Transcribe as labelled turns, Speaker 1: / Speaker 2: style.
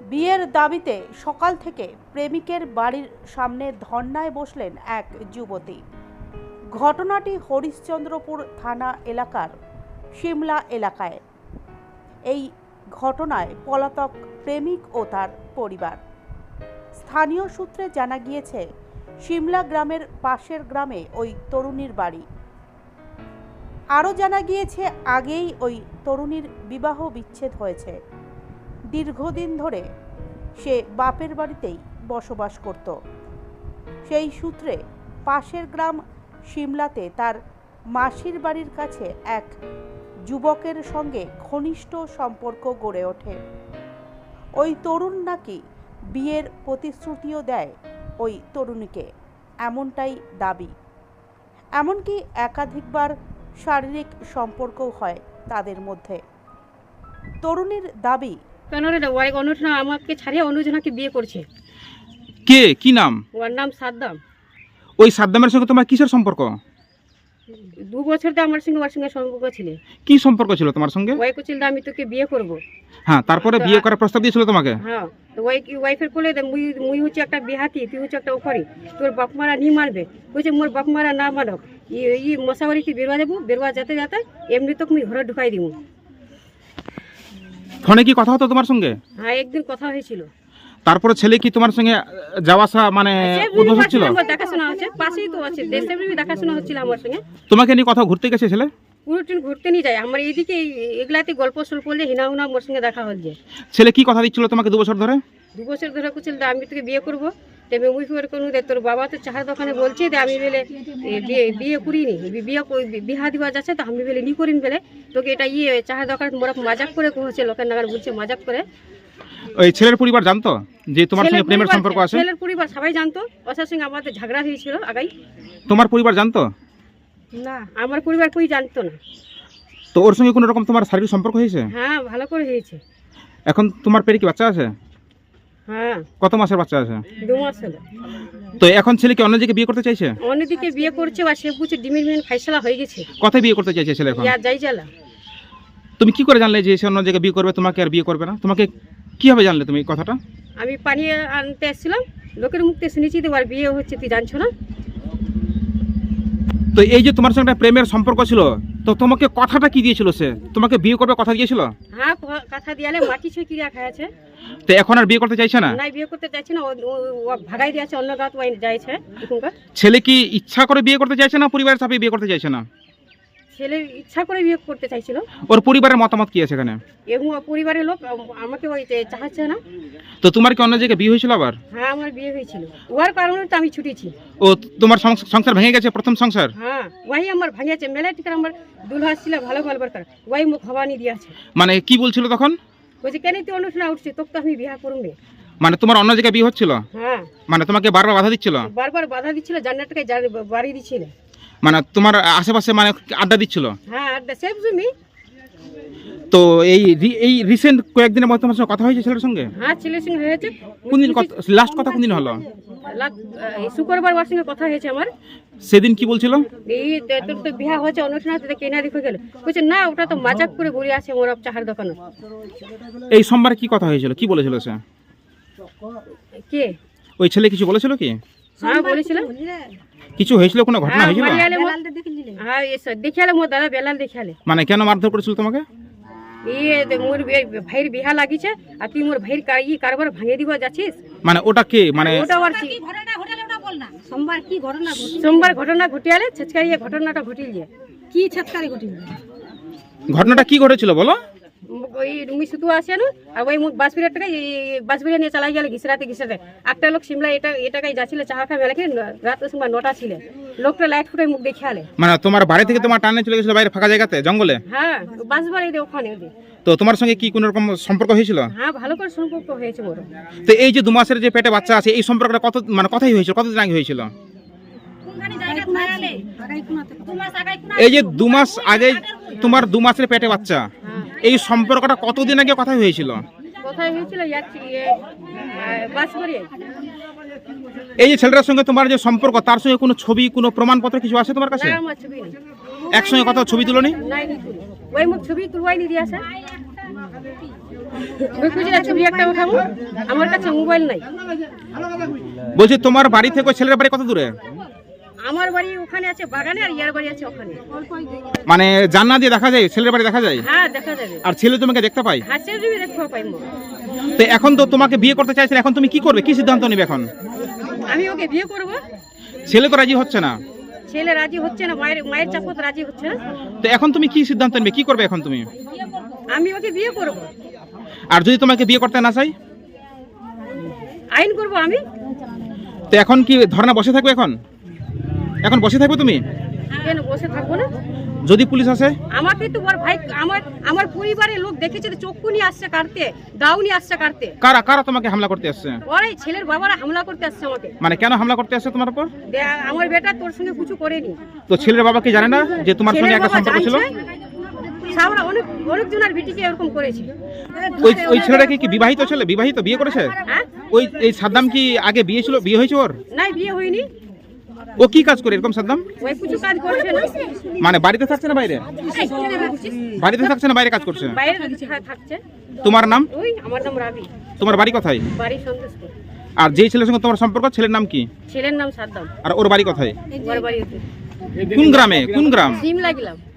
Speaker 1: বিয়ের দাবিতে সকাল থেকে প্রেমিকের বাড়ির সামনে ধর্নায় বসলেন এক যুবতী। ঘটনাটি হরিশ্চন্দ্রপুর থানা এলাকার সিমলা এলাকায়। এই ঘটনায় পলাতক প্রেমিক ও তার পরিবার। স্থানীয় সূত্রে জানা গিয়েছে, সিমলা গ্রামের পাশের গ্রামে ওই তরুণীর বাড়ি। আরও জানা গিয়েছে, আগেই ওই তরুণীর বিবাহ বিচ্ছেদ হয়েছে। দীর্ঘদিন ধরে সে বাপের বাড়িতেই বসবাস করত। সেই সূত্রে পাশের গ্রাম সিমলাতে তার মাসির বাড়ির কাছে এক যুবকের সঙ্গে ঘনিষ্ঠ সম্পর্ক গড়ে ওঠে। ওই তরুণ নাকি বিয়ের প্রতিশ্রুতিও দেয় ওই তরুণীকে, এমনটাই দাবি। এমনকি একাধিকবার শারীরিক সম্পর্কও হয় তাদের মধ্যে। তরুণীর দাবি,
Speaker 2: কেন রে ওই অনুজনা আমাকে ছাড়িয়ে অনুজনাকে বিয়ে করছে।
Speaker 3: কে, কি নাম?
Speaker 2: ওর নাম সাদ্দাম।
Speaker 3: ওই সাদ্দামের সঙ্গে তোমার কিসের সম্পর্ক?
Speaker 2: 2 বছর তো আমার সঙ্গে ওর সঙ্গে সম্পর্ক ছিল।
Speaker 3: কি সম্পর্ক ছিল তোমার সঙ্গে?
Speaker 2: ওই কুচিল আমি তোকে বিয়ে করব।
Speaker 3: হ্যাঁ, তারপরে বিয়ে করার প্রস্তাব দিয়েছিল তোমাকে?
Speaker 2: হ্যাঁ, তো ওই ওয়াইফের কোলে মুই হচ্ছে একটা বিহাতি, তুই হচ্ছে একটা ওখরি, তোর বাপ মারা নি মারবে। বলছে মোর বাপ মারা না মানক, ই মশাবাড়িতে বেরোয়া যাবো, বেরোয়া যেতে যেতে এমনি তো মুই ঘরে ঢুকাই দিব।
Speaker 3: ফোনে কি কথা হতো তোমার সঙ্গে?
Speaker 2: হ্যাঁ, একদিন কথা হয়েছিল।
Speaker 3: তারপরে ছেলে কি তোমার সঙ্গে যাওয়া আসা মানে উদ্বোধন ছিল?
Speaker 2: দেখাশোনা হচ্ছে, পাশেই তো আছে, দেশে দেখাশোনা হচ্ছিল আমার সঙ্গে।
Speaker 3: তোমাকে নিয়ে কথা ঘুরতে গেছে ছেলে?
Speaker 2: পুরো ট্রেন ঘুরতে নিয়ে যায় আমার এইদিকে, এগুলাতে গল্প সল্প করলে হিনা হুনা মোর সঙ্গে দেখা হচ্ছে।
Speaker 3: ছেলে কি কথা দিচ্ছিল তোমাকে 2 বছর ধরে?
Speaker 2: 2 বছর ধরে কুচিল আমি তোকে বিয়ে করবো, তবে মুই করে কোনো দে তোর বাবা তো চাহার দোকানে বলছে যে আমি বেলে বিয়ে করিনি, বিহা দিবা যাচ্ছে, তো আমি বেলে নি করিন বেলে তোকে এটা চাহার দোকানে মোরা মাজাক করে কহছে, লোকের নাগার বলছে মাজাক করে।
Speaker 3: ওই ছেলের পরিবার জানতো যে তোমার সঙ্গে প্রেমের সম্পর্ক আছে?
Speaker 2: ছেলের পরিবার সবাই জানতো, ওর সঙ্গে আমাদের ঝগড়া হয়েছিল আগাই।
Speaker 3: তোমার পরিবার জানতো
Speaker 2: না, আমার পরিবার কই জানতো না।
Speaker 3: তো ওর সঙ্গে কোনো রকম তোমার শারীরিক সম্পর্ক হয়েছে?
Speaker 2: হ্যাঁ, ভালো করে হয়েছে।
Speaker 3: এখন তোমার পেটে কি বাচ্চা আছে?
Speaker 2: হ্যাঁ,
Speaker 3: কত মাসের বাচ্চা আছে?
Speaker 2: 2 মাস হলো।
Speaker 3: তো এখন ছেলে কি অন্য জায়গায় বিয়ে করতে চাইছে?
Speaker 2: অন্যদিকে বিয়ে করছে বা সে বুঝছে ডিমির ফাইসলা হয়ে গেছে।
Speaker 3: কোথায় বিয়ে করতে চাইছে ছেলে এখন?
Speaker 2: যাই জ্বালা।
Speaker 3: তুমি কি করে জানলে যে সে অন্য জায়গায় বিয়ে করবে, তোমাকে আর বিয়ে করবে না? তোমাকে কিভাবে জানলে তুমি এই কথাটা?
Speaker 2: আমি পানি আনতে এসেছিলাম, লোকের মুখতে শুনেছি তোমার বিয়ে হচ্ছে, তুই জানছো না?
Speaker 3: তো এই যে তোমার সঙ্গে একটা প্রেমের সম্পর্ক ছিল, তো তোমাকে কথাটা কি দিয়েছিল? সে তোমাকে বিয়ে করবে কথা দিয়েছিল?
Speaker 2: হ্যাঁ, কথা দিয়ালে মাটি ছুঁয়ে কিরা খাইছে।
Speaker 3: তো এখন আর বিয়ে করতে চাইছে না?
Speaker 2: না, বিয়ে করতে চাইছে না, ও ভাগাই দিয়েছে, অন্য গাঁত ওয়াই যাইছে এখনকার।
Speaker 3: ছেলে কি ইচ্ছা করে বিয়ে করতে চাইছে না পরিবারের চাপে বিয়ে করতে চাইছে না?
Speaker 2: ছেলে ইচ্ছা করে বিয়ে করতে চাইছিল।
Speaker 3: ওর পরিবারের মতামত কি আছে এখানে?
Speaker 2: এবং পরিবারের লোক আমাকে ওই চাহাচ্ছে না।
Speaker 3: তো তোমার কি অন্য জায়গায় বিয়ে হয়েছিল আবার?
Speaker 2: হ্যাঁ, আমার বিয়ে হয়েছিল, ওর কারণে তো আমি ছুটেছি।
Speaker 3: ও তোমার সংসার ভেঙে গেছে, প্রথম সংসার?
Speaker 2: হ্যাঁ, ওই আমার ভাঙিয়েছে। মেলা টিকার আমার দুলহা ছিল ভালো গল্পের কর, ওই মুখ হবানি দিয়েছে।
Speaker 3: মানে কি বলছিল তখন?
Speaker 2: বলছে কেন তুই অনুষ্ঠানে উঠছিস, তোকে তো আমি বিয়ে করবে।
Speaker 3: মানে তোমার অন্য জায়গায় বিয়ে হচ্ছিল?
Speaker 2: হ্যাঁ,
Speaker 3: মানে তোমাকে বারবার বাধা দিচ্ছিল?
Speaker 2: বারবার বাধা দিচ্ছিল, জান্নাতকে বাড়ি দিচ্ছিল।
Speaker 3: মানে তোমার আশেপাশে মানে আড্ডা দিচ্ছিল?
Speaker 2: হ্যাঁ, আর সেফ জমি।
Speaker 3: তো এই রিসেন্ট কয়েকদিনের মধ্যে তোমার সঙ্গে কথা হয়েছে ছেলের সঙ্গে?
Speaker 2: হ্যাঁ, ছেলের সঙ্গে হয়েছে।
Speaker 3: কোনদিন লাস্ট কথা কোনদিন হলো?
Speaker 2: শুক্রবার ওর সঙ্গে কথা হয়েছে আমার।
Speaker 3: সেদিন কি বলছিল?
Speaker 2: এই তোর তো বিয়া হয়েছে অনুষ্ঠানে, কেনা দেখে গেল। বলছে না, ওটা তো মাজাক করে বলে আছে মোর চাহার দোকানে।
Speaker 3: এই সোমবার কি কথা হয়েছিল, কি বলেছিল সে?
Speaker 2: কে?
Speaker 3: ওই ছেলে কিছু বলেছিল কি?
Speaker 2: হ্যাঁ, বলেছিল।
Speaker 3: কিছু হয়েছিল, কোনো ঘটনা হয়েছিল?
Speaker 2: হ্যাঁ, দেখিয়ালে মোর দাদা বেলাল দেখিয়ালে।
Speaker 3: মানে কেন মারধর করেছিল তোমাকে?
Speaker 2: মোর ভাইয়ের বিহা লাগিছে, আর তুই মোর ভাইয়ের কারবার ভাঙে দিব যাচ্ছিস।
Speaker 3: মানে ওটা কে? মানে
Speaker 2: ওটা আর কি সোমবার ঘটনা ঘটিয়ালে ছেচকারিয়ে ঘটনাটা ঘটিল যে কি ছেচকারি ঘটিল।
Speaker 3: ঘটনাটা কি ঘটেছিল বলো?
Speaker 2: ওই রুমি শুধু আসে না, আর ওই বাসবিরা টাকা বাসবিরা নিয়ে চালাই গেলে ঘিসরাতে একটা লোক সিমলা এটাকাই যাচ্ছিল চাহা খা মেলাকে, রাত সময় 9টা ছিল। লোকটা লাইট ফুটে মুখ দেখিয়ালে।
Speaker 3: মানে তোমার বাড়ি থেকে তোমার টানে চলে গেছিল বাইরে ফাঁকা জায়গাতে, জঙ্গলে?
Speaker 2: হ্যাঁ, বাস বাড়ি দিয়ে ওখানে।
Speaker 3: তো তোমার সঙ্গে কি কোনো রকম সম্পর্ক হয়েছিল?
Speaker 2: হ্যাঁ, ভালো করে সম্পর্ক হয়েছে বড়।
Speaker 3: তো এই যে 2 মাসের যে পেটে বাচ্চা আছে, এই সম্পর্কটা কত মানে কথাই হয়েছিল, কতদিন আগে হয়েছিল? এই যে 2 মাস আগে তোমার 2 মাসের পেটে বাচ্চা, এই সম্পর্কটা কতদিন আগে কথা হয়েছিল?
Speaker 2: কোথায় হয়েছিল? বাসবাড়ি।
Speaker 3: এই যে ছেলেটার সঙ্গে তোমার যে সম্পর্ক, তার সঙ্গে কোনো ছবি, কোনো প্রমাণপত্র কিছু আছে তোমার কাছে?
Speaker 2: না, আমার ছবি নেই।
Speaker 3: একসঙ্গে কথা ছবি তুলনি?
Speaker 2: নাই, ওই মুখ ছবি তুলবাই নি দিয়েছে। ওই খুঁজে ছবি একটা উঠাবো, আমার কাছে মোবাইল নাই।
Speaker 3: বলছি তোমার বাড়ি থেকে ওই ছেলের বাড়ি কত দূরে?
Speaker 2: আমার বাড়ি ওখানে আছে বাগানে, আর ইয়ার বাড়ি আছে ওখানে।
Speaker 3: মানে জানলা দিয়ে দেখা যায় ছেলের বাড়ি দেখা যায়?
Speaker 2: হ্যাঁ দেখা যাবে।
Speaker 3: আর ছেলে তোমাকে দেখতে পাই?
Speaker 2: হ্যাঁ সেটা দেখতে পাইবো।
Speaker 3: তো এখন তো তোমাকে বিয়ে করতে চাইছে, এখন তুমি কি করবে, কি সিদ্ধান্ত নেবে এখন?
Speaker 2: আমি ওকে বিয়ে করব।
Speaker 3: ছেলে তো রাজি হচ্ছে না।
Speaker 2: ছেলে রাজি হচ্ছে না, মায়ের চাপত রাজি হচ্ছে না।
Speaker 3: তো এখন তুমি কি সিদ্ধান্ত নেবে, কি করবে এখন তুমি?
Speaker 2: আমি ওকে বিয়ে করব।
Speaker 3: আর যদি তোমাকে বিয়ে করতে না চাই?
Speaker 2: আইন করব আমি।
Speaker 3: তো এখন কি ধর্ণা বসে থাকবে? এখন বসে থাকবে তুমি?
Speaker 2: কেন বসে থাকবো না?
Speaker 3: যদি পুলিশ আসে?
Speaker 2: আমাকে তো ওর ভাই, আমার পরিবারের লোক দেখেছে তো, চক্ষু নিয়ে আসছে কাটতে, দাও নিয়ে আসছে কাটতে।
Speaker 3: কারা কারা তোমাকে হামলা করতে আসছে?
Speaker 2: ওরাই ছেলের বাবারা হামলা করতে আসছে আমাকে।
Speaker 3: মানে কেন হামলা করতে আসছে তোমার উপর?
Speaker 2: আমার বেটা তোর সঙ্গে কিছু করেনি।
Speaker 3: তো ছেলের বাবা কি জানে না যে তোমার সঙ্গে একটা সম্পর্ক ছিল?
Speaker 2: সামরা অনেক জনের বিটিকে এরকম করেছে।
Speaker 3: ওই ছেলেটা কি বিবাহিত ছেলে, বিবাহিত, বিয়ে করেছে?
Speaker 2: হ্যাঁ
Speaker 3: এই সাদ্দাম কি আগে বিয়ে হয়েছে ওর?
Speaker 2: নাই, বিয়ে হয়নি।
Speaker 3: ও কি কাজ করে এরকম সাদ্দাম?
Speaker 2: ওই কিছু কাজ করছে না।
Speaker 3: মানে বাড়িতে থাকছে না বাইরে? বাড়িতে থাকছে না বাইরে কাজ করছে?
Speaker 2: বাইরে থাকছে।
Speaker 3: তোমার নাম?
Speaker 2: ওই আমার নাম রাবি।
Speaker 3: তোমার বাড়ি কোথায়?
Speaker 2: বাড়ি সন্তুষ্ট।
Speaker 3: আর যেই ছেলের সঙ্গে তোমার সম্পর্ক, ছেলের নাম কি?
Speaker 2: ছেলের নাম সাদ্দাম।
Speaker 3: আর ওর বাড়ি কোথায়?
Speaker 2: ওর বাড়ি
Speaker 3: কোন গ্রামে? কোন গ্রাম?
Speaker 2: সিমলা গেলাম।